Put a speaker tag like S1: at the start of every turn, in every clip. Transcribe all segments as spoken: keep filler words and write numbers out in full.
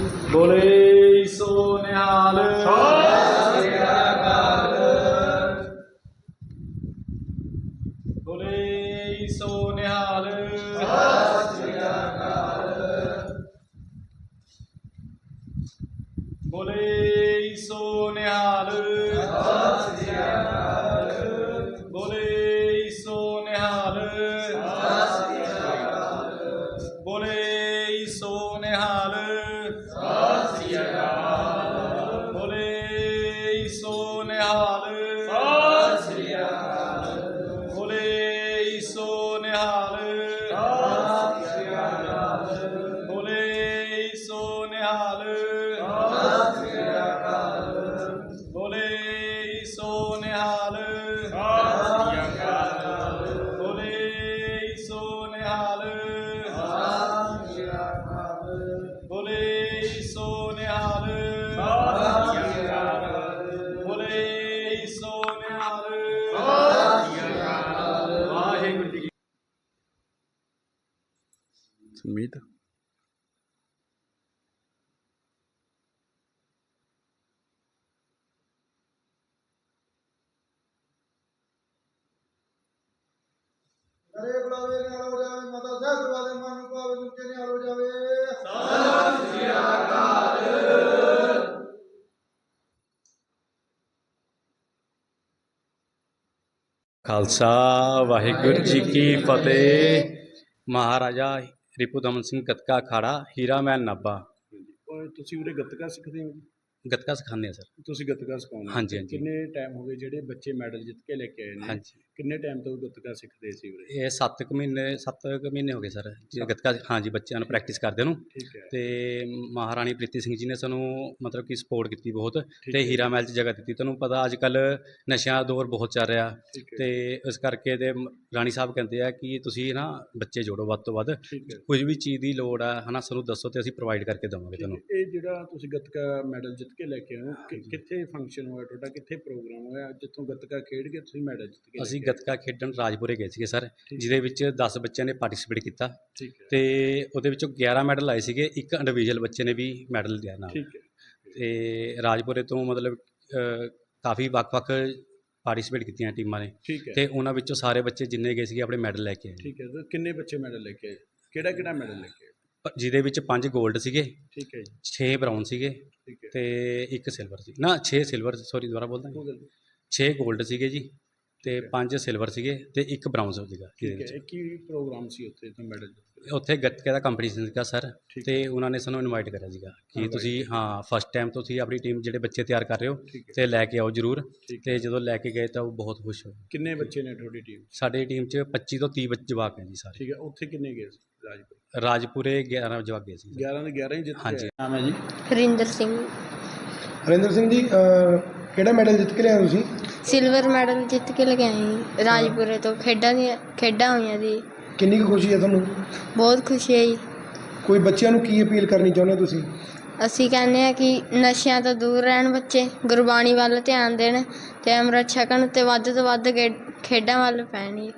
S1: बोले सो निहाल। बोले सो निहाल। बोले सो निहाल। बोले सो निहाल। बोले सो निहाल। बोले सो निहाल। बोले सो निहाल। बोले सो निहाल। बोले सो निहाल। बोले सो निहाल। बोले सो निहाल। बोले सो निहाल। वाहिगुरू जी की
S2: सुमीत
S3: अरे बुलावे निहाल हो जावे माता ਸਾਹਿਬ ਦਰਬਾਰੇ ਮਨ ਨੂੰ ਭਾਵੇ ਉੱਚੇ ਨਿਹਾਲ ਹੋ ਜਾਵੇ।
S2: खालसा वाहिगुरू जी की फतेह। महाराजा रिपुदमन सिंह गतका अखाड़ा हीरा महल नाभा।
S4: ਤੁਸੀਂ ਉਰੇ ਗੱਤਕਾ ਸਿੱਖਦੇ ਹੋ ਜੀ?
S2: गतका सिखाने हैं सर।
S4: ਤੁਸੀਂ ਗੱਤਕਾ ਸਿਖਾਉਂਦੇ ਹੋ?
S2: ਹਾਂਜੀ, ਹਾਂਜੀ।
S4: ਕਿੰਨੇ ਟਾਈਮ ਹੋ ਗਏ ਜਿਹੜੇ ਬੱਚੇ ਮੈਡਲ ਜਿੱਤ ਕੇ ਲੈ ਕੇ ਆਏ ਨੇ?
S2: ਹਾਂਜੀ
S4: ਕਿੰਨੇ ਟਾਈਮ ਤੋਂ ਗੱਤਕਾ ਸਿੱਖਦੇ ਸੀ ਉਰੇ?
S2: ਇਹ ਸੱਤ ਕੁ ਮਹੀਨੇ ਸੱਤ ਕੁ ਮਹੀਨੇ ਹੋ ਗਏ ਸਰ ਜੀ ਗਤਕਾ ਹਾਂਜੀ ਬੱਚਿਆਂ ਨੂੰ ਪ੍ਰੈਕਟਿਸ ਕਰਦੇ ਨੂੰ।
S4: ਠੀਕ ਹੈ।
S2: ਤੇ ਮਹਾਰਾਣੀ ਪ੍ਰੀਤੀ ਸਿੰਘ ਜੀ ਨੇ ਸਾਨੂੰ ਮਤਲਬ ਕਿ ਸਪੋਰਟ ਕੀਤੀ ਬਹੁਤ
S4: ਠੀਕ
S2: ਤੇ
S4: ਹੈ।
S2: ਹੀਰਾ ਮਹਿਲ 'ਚ ਜਗ੍ਹਾ ਦਿੱਤੀ। ਤੁਹਾਨੂੰ ਪਤਾ ਅੱਜ ਕੱਲ੍ਹ ਨਸ਼ਿਆਂ ਦਾ ਦੌਰ ਬਹੁਤ ਚੱਲ ਰਿਹਾ
S4: ਠੀਕ ਹੈ।
S2: ਤੇ ਇਸ ਕਰਕੇ ਤੇ ਮ- ਰਾਣੀ ਸਾਹਿਬ ਕਹਿੰਦੇ ਆ ਕਿ ਤੁਸੀਂ ਨਾ ਬੱਚੇ ਜੋੜੋ ਵੱਧ ਤੋਂ ਵੱਧ।
S4: ਠੀਕ ਹੈ।
S2: ਕੁਝ ਵੀ ਚੀਜ਼ ਦੀ ਲੋੜ ਆ ਹੈ ਨਾ ਸਾਨੂੰ ਦੱਸੋ ਤੇ ਅਸੀਂ ਪ੍ਰੋਵਾਈਡ ਕਰਕੇ ਦੇਵਾਂਗੇ
S4: ਠੀਕ
S2: ਤੁਹਾਨੂੰ।
S4: ਹੈ। ਇਹ ਜਿਹੜਾ ਤੁਸੀਂ ਗੱਤਕਾ ਮੈਡਲ ਜਿੱਤ ਕੇ ਲੈ ਕੇ ਆਏ ਹੋ ਕਿ- ਕਿੱਥੇ ਫੰਕਸ਼ਨ ਹੋਇਆ ਤੁਹਾਡਾ? ਕਿੱਥੇ ਪ੍ਰੋਗਰਾਮ ਹੋਇਆ ਜਿੱਥੋਂ ਗੱਤਕਾ ਖੇਡ ਕੇ ਤੁਸੀਂ ਮੈਡਲ ਜਿੱਤ ਕੇ ਲੈ
S2: ਅਸੀਂ
S4: ਕੇ ਆਏ?
S2: ਗੱਤਕਾ ਖੇਡਣ ਰਾਜਪੁਰੇ ਗਏ ਸੀਗੇ ਸਰ,
S4: ਠੀਕ।
S2: ਜਿਹਦੇ ਵਿੱਚ ਦਸ ਬੱਚਿਆਂ ਨੇ ਪਾਰਟਿਸਿਪੇਟ ਕੀਤਾ
S4: ਠੀਕ ਹੈ।
S2: ਤੇ ਉਹਦੇ ਵਿੱਚੋਂ ਗਿਆਰਾਂ ਮੈਡਲ ਆਏ ਸੀਗੇ। ਇੱਕ ਇੰਡੀਵਿਜੂਅਲ ਬੱਚੇ ਨੇ ਵੀ ਮੈਡਲ ਲਿਆ ਨਾਲ।
S4: ਠੀਕ ਹੈ।
S2: ਤੇ ਰਾਜਪੁਰੇ ਤੋਂ ਮਤਲਬ ਅ, ਕਾਫੀ ਵੱਖ-ਵੱਖ ਪਾਰਟਿਸਿਪੇਟ ਕੀਤੀਆਂ ਟੀਮਾਂ ਨੇ
S4: ਠੀਕ ਹੈ।
S2: ਤੇ ਉਹਨਾਂ ਵਿੱਚੋਂ ਸਾਰੇ ਬੱਚੇ ਜਿੰਨੇ ਗਏ ਸੀਗੇ ਆਪਣੇ ਮੈਡਲ ਲੈ ਕੇ ਆਏ।
S4: ਠੀਕ ਹੈ। ਤੇ ਕਿੰਨੇ ਬੱਚੇ ਮੈਡਲ ਲੈ ਕੇ ਆਏ? ਕਿਹੜਾ ਕਿਹੜਾ ਮੈਡਲ ਲੈ ਕੇ ਆਏ?
S2: ਪ- ਜਿਹਦੇ ਵਿੱਚ ਪੰਜ 골ਡ ਸੀਗੇ,
S4: ਠੀਕ ਹੈ ਜੀ।
S2: ਛੇ ਬਰਾਊਨ ਸੀਗੇ
S4: ਠੀਕ ਹੈ।
S2: ਤੇ ਇੱਕ ਸਿਲਵਰ ਸੀ ਨਾ ਛੇ ਸਿਲਵਰ ਸੌਰੀ ਦੁਬਾਰਾ ਬੋਲਦਾ
S4: ਕੋਈ ਗੱਲ ਨਹੀਂ।
S2: ਛੇ 골ਡ ਸੀਗੇ ਜੀ ਤੇ
S4: ਠੀਕ ਹੈ।
S2: ਪੰਜ ਸਿਲਵਰ ਸੀਗੇ ਤੇ ਇੱਕ ਬਰਾਊਨ ਸੀਗਾ ਜਿਹਦੇ
S4: ਠੀਕ ਹੈ।
S2: ਵਿੱਚ।
S4: ਇਹ ਕੀ ਪ੍ਰੋਗਰਾਮ ਸੀ ਉੱਥੇ ਤੋਂ ਮੈਡਲ ਜਿੱਤ ਕੇ?
S2: ਉੱਥੇ ਗੱਤਕੇ ਦਾ ਕੰਪੀਟੀਸ਼ਨ ਸੀਗਾ ਸਰ
S4: ਠੀਕ
S2: ਤੇ ਉਹਨਾਂ ਨੇ ਸਾਨੂੰ ਇਨਵਾਈਟ ਕਰਿਆ ਸੀਗਾ ਕਿ
S4: Invite
S2: ਤੁਸੀਂ ਹਾਂ ਫਸਟ ਟਾਈਮ ਤੁਸੀਂ ਆਪਣੀ ਟੀਮ ਜਿਹੜੇ ਬੱਚੇ ਤਿਆਰ ਕਰ ਰਹੇ ਹੋ
S4: ਠੀਕ ਹੈ।
S2: ਤੇ ਲੈ ਕੇ ਆਓ ਜ਼ਰੂਰ।
S4: ਠੀਕ
S2: ਤੇ ਜਦੋਂ ਲੈ ਕੇ ਗਏ ਤਾਂ ਉਹ ਬਹੁਤ ਖੁਸ਼ ਹੋਏ।
S4: ਕਿੰਨੇ ਬੱਚੇ ਨੇ ਤੁਹਾਡੀ ਟੀਮ?
S2: ਸਾਡੀ ਟੀਮ 'ਚ ਪੱਚੀ ਤੋਂ ਤੀਹ ਬੱਚੇ ਜਵਾਕ ਹੈ ਜੀ ਸਾਰੇ।
S4: ਠੀਕ ਹੈ। ਉੱਥੇ ਕਿੰਨੇ ਗਏ ਸੀ ਰਾਜਪੁਰ?
S2: ਰਾਜਪੁਰੇ ਗਿਆਰਾਂ ਜਵਾਕ ਗਏ ਸੀ।
S4: ਗਿਆਰਾਂ ਦੇ ਗਿਆਰਾਂ ਹੀ ਜਿੱਤ
S2: ਹਾਂਜੀ।
S4: ਕੇ ਨਾਮ ਹੈ ਜੀ?
S5: ਹਰਿੰਦਰ ਸਿੰਘ।
S3: ਹਰਿੰਦਰ ਸਿੰਘ ਜੀ ਅਹ, ਕਿਹੜਾ ਮੈਡਲ ਜਿੱਤ ਕੇ ਲਿਆਏ ਤੁਸੀਂ?
S5: ਸਿਲਵਰ ਮੈਡਲ ਜਿੱਤ ਕੇ ਲੈ ਕੇ ਆਏ ਜੀ ਰਾਜਪੁਰੇ ਤੋਂ। ਖੇਡਾਂ ਦੀਆਂ ਖੇਡਾਂ ਹੋਈਆਂ ਜੀ।
S3: ਕਿੰਨੀ ਕੁ ਖੁਸ਼ੀ ਹੈ ਤੁਹਾਨੂੰ?
S5: ਬਹੁਤ ਖੁਸ਼ੀ ਹੈ ਜੀ।
S3: ਕੋਈ ਬੱਚਿਆਂ ਨੂੰ ਕੀ ਅਪੀਲ ਕਰਨੀ ਚਾਹੁੰਦੇ ਹੋ ਤੁਸੀਂ?
S5: ਅਸੀਂ ਕਹਿੰਦੇ ਹਾਂ ਕਿ ਨਸ਼ਿਆਂ ਤੋਂ ਦੂਰ ਰਹਿਣ ਬੱਚੇ, ਗੁਰਬਾਣੀ ਵੱਲ ਧਿਆਨ ਦੇਣ ਤੇ ਅੰਮ੍ਰਿਤ ਛਕਣ ਤੇ ਵੱਧ ਤੋਂ ਵੱਧ ਖੇ- ਖੇਡਾਂ ਵੱਲ ਪੈਣ ਜੀ।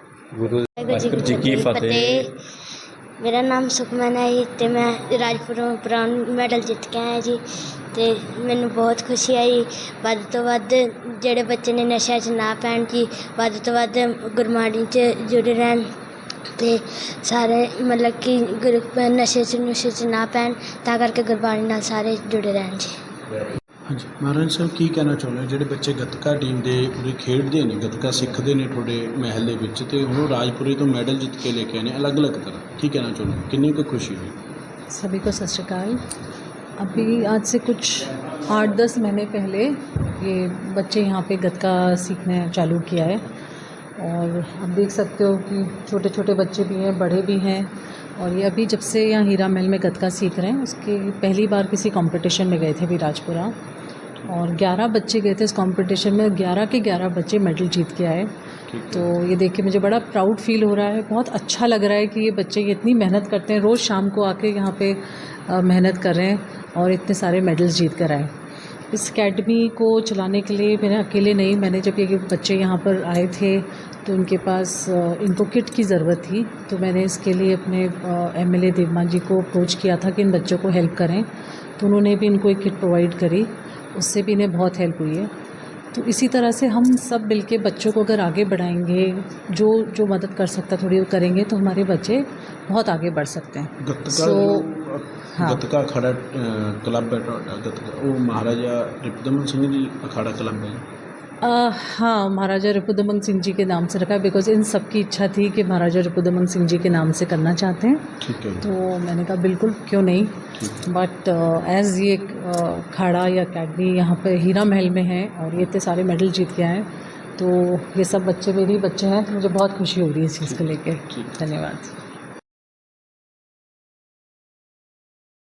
S2: ਵਾਹਿਗੁਰੂ ਜੀ ਕੀ ਫਤਿਹ।
S6: ਮੇਰਾ ਨਾਮ ਸੁਖਮਨ ਹੈ ਜੀ ਅਤੇ ਮੈਂ ਰਾਜਪੁਰੋਂ ਬ੍ਰਾਊਨ ਮੈਡਲ ਜਿੱਤ ਕੇ ਆਇਆ ਜੀ ਅਤੇ ਮੈਨੂੰ ਬਹੁਤ ਖੁਸ਼ੀ ਆਈ। ਵੱਧ ਤੋਂ ਵੱਧ ਜਿਹੜੇ ਬੱਚੇ ਨੇ ਨਸ਼ਿਆਂ 'ਚ ਨਾ ਪੈਣ ਜੀ, ਵੱਧ ਤੋਂ ਵੱਧ ਗੁਰਬਾਣੀ 'ਚ ਜੁੜੇ ਰਹਿਣ ਅਤੇ ਸਾਰੇ ਮਤਲਬ ਕਿ ਗੁਰ ਨਸ਼ੇ 'ਚ ਨੁਸ਼ੇ 'ਚ ਨਾ ਪੈਣ, ਤਾਂ ਕਰਕੇ ਗੁਰਬਾਣੀ ਨਾਲ ਸਾਰੇ ਜੁੜੇ ਰਹਿਣ ਜੀ।
S4: ਹਾਂਜੀ ਮਹਾਰਾਜ ਸਾਹਿਬ, ਕੀ ਕਹਿਣਾ ਚਾਹੁੰਦੇ ਹੋ ਜਿਹੜੇ ਬੱਚੇ ਗੱਤਕਾ ਟੀਮ ਦੇ ਪੂਰੇ ਖੇਡਦੇ ਨੇ, ਗੱਤਕਾ ਸਿੱਖਦੇ ਨੇ ਤੁਹਾਡੇ ਮਹਿਲ ਦੇ ਵਿੱਚ ਅਤੇ ਹੁਣ ਰਾਜਪੁਰੇ ਤੋਂ ਮੈਡਲ ਜਿੱਤ ਕੇ ਲੈ ਕੇ ਆਏ ਨੇ ਅਲੱਗ ਅਲੱਗ ਤਰ੍ਹਾਂ, ਕੀ ਕਹਿਣਾ ਚਾਹੁੰਦੇ ਹੋ? ਕਿੰਨੀ ਕੁ ਖੁਸ਼ੀ ਹੋਈ?
S7: सभी को सत श्रीकाल। अभी आज से कुछ आठ दस महीने पहले ये बच्चे यहाँ पे गतका सीखने चालू किया है और आप देख सकते हो कि छोटे छोटे बच्चे भी हैं, बड़े भी हैं और ये अभी जब से यहाँ हीरा महल में गतका सीख रहे हैं उसके पहली बार किसी कंपटीशन में गए थे अभी राजपुरा और ग्यारह बच्चे गए थे इस कंपटीशन में। ग्यारह के ग्यारह बच्चे मेडल जीत के आए। तो ये देख के मुझे बड़ा प्राउड फील हो रहा है, बहुत अच्छा लग रहा है कि ये बच्चे ये इतनी मेहनत करते हैं, रोज़ शाम को आके यहाँ पे मेहनत कर रहे हैं और इतने सारे मेडल्स जीत कर आए। इस एकेडमी को चलाने के लिए मैंने अकेले नहीं, मैंने जब ये बच्चे यहाँ पर आए थे तो उनके पास अ, इनको किट की ज़रूरत थी, तो मैंने इसके लिए अपने एमएलए देवमान जी को अप्रोच किया था कि इन बच्चों को हेल्प करें, तो उन्होंने भी इनको एक किट प्रोवाइड करी, उससे भी इन्हें बहुत हेल्प हुई है। तो इसी तरह से हम सब मिलके बच्चों को अगर आगे बढ़ाएंगे, जो जो मदद कर सकता थोड़ी वो करेंगे, तो हमारे बच्चे बहुत आगे बढ़ सकते हैं।
S4: ਗੱਤਕਾ
S7: So,
S4: ਜੋ,
S7: हाँ।
S4: ਗੱਤਕਾ ਅਖਾੜਾ ਅ, ਕਲੱਬ ਹੈ ਤੁਹਾਡਾ ਗੱਤਕਾ, ਉਹ ਮਹਾਰਾਜਾ ਰਿਪੁਦਮਨ ਸਿੰਘ ਜੀ ਅਖਾੜਾ ਕਲੱਬ है।
S7: आ, हाँ, महाराजा रिपुदमन सिंह जी के नाम से रखा है, बिकॉज इन सब की इच्छा थी कि महाराजा रिपुदमन सिंह जी के नाम से करना चाहते हैं,
S4: ठीक है।
S7: तो मैंने कहा बिल्कुल क्यों नहीं,
S4: ठीक
S7: बट एज़ ये अखाड़ा या अकेडमी यहाँ पे हीरा महल में है और ये इतने सारे मेडल जीत के आए हैं, तो ये सब बच्चे मेरे ही बच्चे हैं, तो मुझे बहुत खुशी हो रही है इस चीज़ को लेकर।
S4: ठीक।
S7: धन्यवाद।